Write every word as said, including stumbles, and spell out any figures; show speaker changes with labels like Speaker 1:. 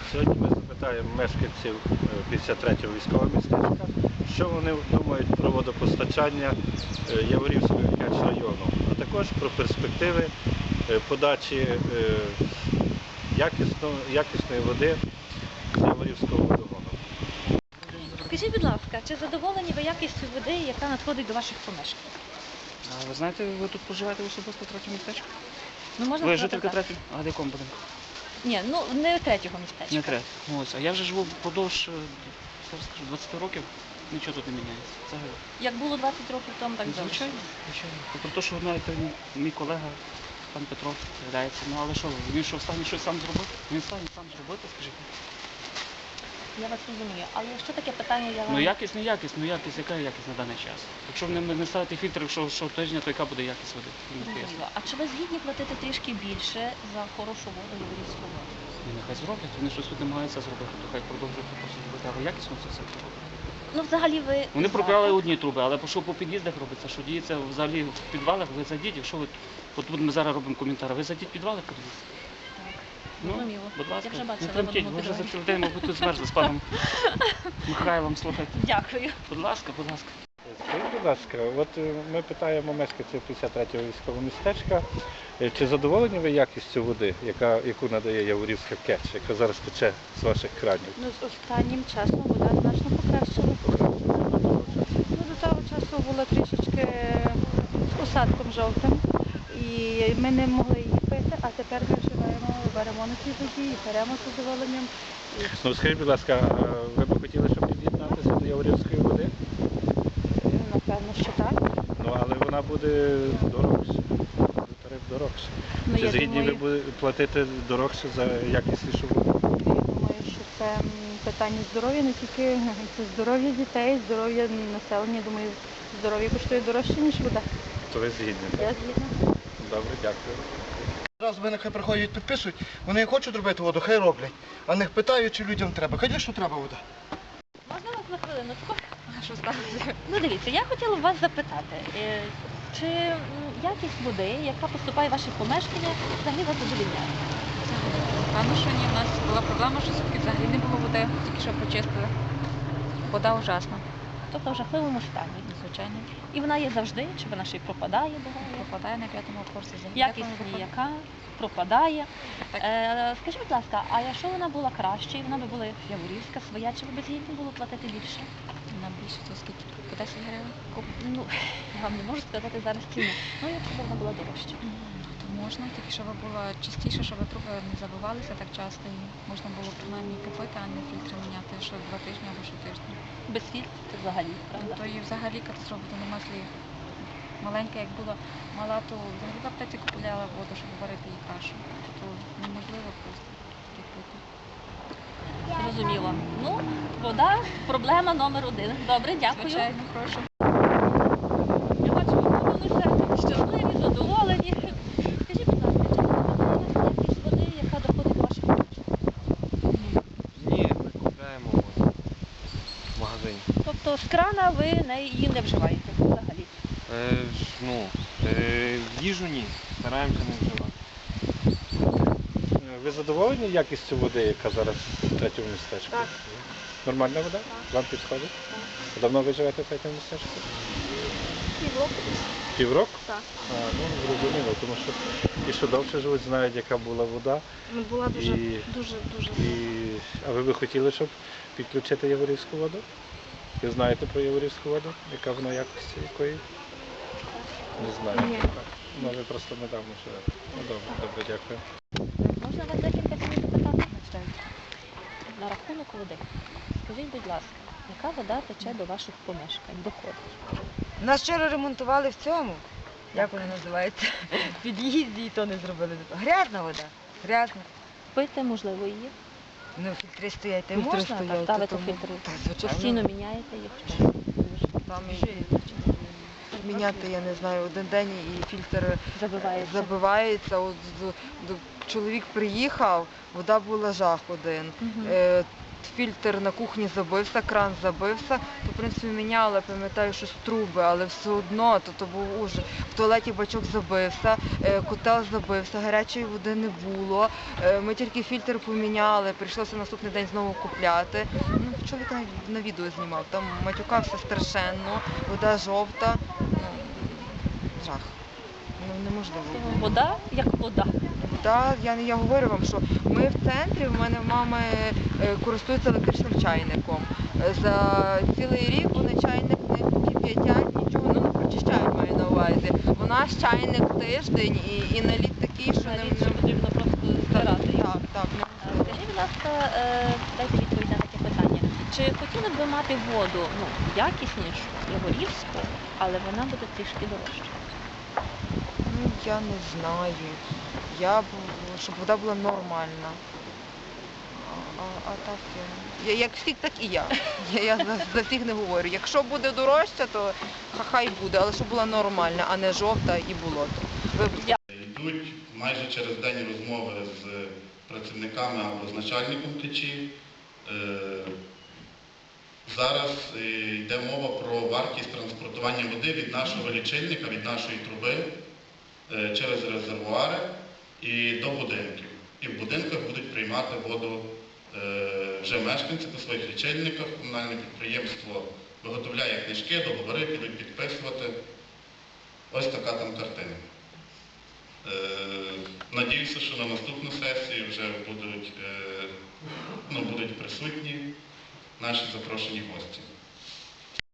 Speaker 1: Сьогодні ми запитаємо мешканців п'ятдесят третього військового містечка, що вони думають про водопостачання Яворівського району, а також про перспективи подачі якісної води з Яворівського водогону.
Speaker 2: Скажіть, будь ласка, чи задоволені ви якістю води, яка надходить до ваших помешкань?
Speaker 3: А ви знаєте, ви тут проживаєте особисто в третьому містечку?
Speaker 2: Ну, можна
Speaker 3: Ви
Speaker 2: сказати
Speaker 3: жителька
Speaker 2: так.
Speaker 3: третього? А де якому будинку?
Speaker 2: Ні, ну не третього містечка.
Speaker 3: Не третього. Ну, ось. А я вже живу впродовж, зараз скажу, двадцять років, нічого тут не міняється. Взагалі.
Speaker 2: Як було двадцять років тому, так завжди.
Speaker 3: Звичайно, звичайно. Про те, що знаєте, мій колега, пан Петро, з'являється. Ну, але що, він що, встане щось сам зробити? Він стане сам зробити, скажіть.
Speaker 2: Я вас розумію. Але якщо таке питання, я вам...
Speaker 3: Ну, якість, не якість, ну якість, яка якість на даний час? Якщо не, не ставити фільтр, якщо щотижня, то яка буде якість води?
Speaker 2: Зрозуміло. А чи ви згідні платити трішки більше за хорошу воду Яворівську воду?
Speaker 3: І нехай зроблять, вони щось тут намагаються зробити, то хай продовжують просто зробити, але якісно це все робити.
Speaker 2: Ну, взагалі ви...
Speaker 3: Вони
Speaker 2: за.
Speaker 3: пропрали одні труби, але що по під'їздах робиться, що діється взагалі в підвалах, ви зайдіть, якщо ви, от ми зараз робимо коментар, ви зайдіть в підвали, подивіться. Ну,
Speaker 2: Зрозуміло.
Speaker 3: будь ласка,
Speaker 2: Я вже
Speaker 3: не
Speaker 2: бачила в
Speaker 3: тремтіть,
Speaker 2: одному
Speaker 3: ви вже за
Speaker 2: підвалі.
Speaker 3: цілий день, мабуть, тут змерзли з паном Михайлом, слухайте.
Speaker 2: Дякую.
Speaker 3: Будь ласка, будь ласка.
Speaker 1: Скажіть, будь ласка, от ми питаємо мешканців п'ятдесят третього військового містечка, чи задоволені ви якістю води, яка, яку надає Яворівська КЕЧ, яка зараз тече з ваших кранів?
Speaker 4: Ну, з останнім часом вода значно покращила. Ну, до того часу була трішечки з осадком жовтим, і ми не могли її пити, а тепер ми вживаємо, беремо на цій воді і беремо з задоволенням. І
Speaker 1: Ну, скажіть, будь ласка, а ви б хотіли, щоб під'єднатися до Яворівської води?
Speaker 4: напевно, що так.
Speaker 1: Ну, але вона буде дорожча, буде тариф дорожче.
Speaker 4: Ну,
Speaker 1: Чи
Speaker 4: я
Speaker 1: згідні ви
Speaker 4: думаю,
Speaker 1: будете платити дорожче за якіснішу воду?
Speaker 4: я думаю, що це м, питання здоров'я, не тільки це здоров'я дітей, здоров'я населення. Думаю, здоров'я коштує дорожче, ніж вода.
Speaker 1: То ви згідні,
Speaker 4: Я
Speaker 1: так?
Speaker 4: згідна.
Speaker 1: Добре, дякую.
Speaker 5: Зараз мене хай приходять, підписують, вони хочуть робити воду, хай роблять. А них питають, чи людям треба. Звісно, треба вода.
Speaker 2: Можна вас на хвилиночку?
Speaker 4: А що сталося?
Speaker 2: Ну, дивіться, я хотіла вас запитати, е, чи м, якість води, яка поступає в ваші помешкання, взагалі вас задовільняє?
Speaker 6: Певно, що ні. У нас була проблема, що сутки взагалі не було води, тільки що почистили. Вода ужасна,
Speaker 2: Тобто в жахливому стані.
Speaker 6: звичайно.
Speaker 2: І вона є завжди, чи вона ще й пропадає буває?
Speaker 6: Пропадає на п'ятому курсі землі.
Speaker 2: Якість ніяка, пропадає.
Speaker 6: Так.
Speaker 2: Е, скажіть, будь ласка, а якщо вона була краще, і вона би була Яворівська, своя, чи ви б згідні було платити більше?
Speaker 6: На більше, то скільки? По десять гривень?
Speaker 2: Ну, я вам не можу сказати зараз ціну. Ну, якщо б вона була дорожча.
Speaker 6: То можна, тільки щоб було чистіше, щоб труби не забивалися так часто. І можна було принаймні купити, а не фільтри міняти, що два тижні або щотижня.
Speaker 2: Без фільтрів це взагалі, правда?
Speaker 6: То і взагалі катастрофа, то нема слів. Маленька, як була мала, то взагалі в аптеці купувала воду, щоб варити їй кашу. То неможливо просто так пити.
Speaker 2: Зрозуміло. Ну, вода – проблема номер один. Добре, дякую.
Speaker 6: Звичайно, прошу.
Speaker 2: Я бачу, ви повністю щасливі, задоволені. Скажіть, будь ласка, чи задоволена якість води, яка доходить до ваших помешкань?
Speaker 7: Ні, ми купляємо воду в магазині.
Speaker 2: Тобто з крана ви не, її не вживаєте взагалі?
Speaker 7: Е, ж, ну, е, їжу ні, стараємося не вживати.
Speaker 1: Ви задоволені якістю води, яка зараз в третьому містечку?
Speaker 4: Так.
Speaker 1: Нормальна вода? Вам підходить? Так. Давно ви живете в третьому містечку?
Speaker 4: Півроку.
Speaker 1: Півроку?
Speaker 4: Так.
Speaker 1: А, ну, зрозуміло, тому що ті, що довше живуть, знають, яка була вода.
Speaker 4: Ну, була дуже,
Speaker 1: І-
Speaker 4: дуже, дуже.
Speaker 1: І... А ви би хотіли, щоб підключити Яворівську воду? Ви знаєте про Яворівську воду? Яка вона якості якої? Не знаю.
Speaker 4: Ні.
Speaker 1: Ну, ви просто недавно живете. Ну, добре, добре, дякую.
Speaker 2: Можна вас декілька слів запитати? На рахунок води. Скажіть, будь ласка, яка вода тече до ваших помешкань, доходить?
Speaker 8: Нас вчора ремонтували в цьому, як воно називається, в під'їзді і то не зробили. Грязна вода, грязна.
Speaker 2: Пити, можливо, її?
Speaker 8: Ну, фільтри стоять, та й Фільтри можна, стоять, так, та
Speaker 2: ставити
Speaker 8: тому-
Speaker 2: фільтри.
Speaker 8: Так, звичайно.
Speaker 2: Постійно міняєте їх?
Speaker 8: Там і міняти, я не знаю, один день і фільтр
Speaker 2: Забивається.
Speaker 8: забивається, от, з- до- чоловік приїхав, вода була жах один.
Speaker 2: Мгм.
Speaker 8: Е, Фільтр на кухні забився, кран забився, то в принципі міняли, пам'ятаю, щось труби, але все одно то, то був ужас. В туалеті бачок забився, е, котел забився, гарячої води не було. Е, Ми тільки фільтр поміняли, прийшлося наступний день знову купляти. Ну, чоловік на, на відео знімав, там матюкався страшенно, вода жовта. Ну, жах. Ну, неможливо.
Speaker 2: Вода як вода.
Speaker 8: Так, я, я говорю вам, що ми в центрі, в мене мама е, користується електричним чайником. Е, За цілий рік вони чайник не кип'ятять, нічого, ну не прочищають, маю на увазі. У нас чайник тиждень і, і наліт такий, що не...
Speaker 2: Навіть що потрібно просто збирати.
Speaker 8: Так, так.
Speaker 2: Е, Скажіть, будь ласка, е, дайте відповідь на таке питання. Чи хотіли б ви мати воду ну, якіснішу, Яворівську, але вона буде трішки дорожча?
Speaker 8: Ну, я не знаю. Я б, щоб вода була нормальна. А, а, а так, я, я, як всіх, так і я. Я, я за, за всіх не говорю. Якщо буде дорожча, то хай буде, але щоб була нормальна, а не жовта і болото. Вибачте.
Speaker 9: Йдуть майже через день розмови з працівниками або з начальником течі. Е, Зараз е, йде мова про вартість транспортування води від нашого лічильника, від нашої труби е, через резервуари і до будинків. І в будинках будуть приймати воду е, вже мешканці по своїх лічильниках. Комунальне підприємство виготовляє книжки, договори, підуть підписувати. Ось така там картина. Е, Надіюся, що на наступну сесію вже будуть, е, ну, будуть присутні наші запрошені гості.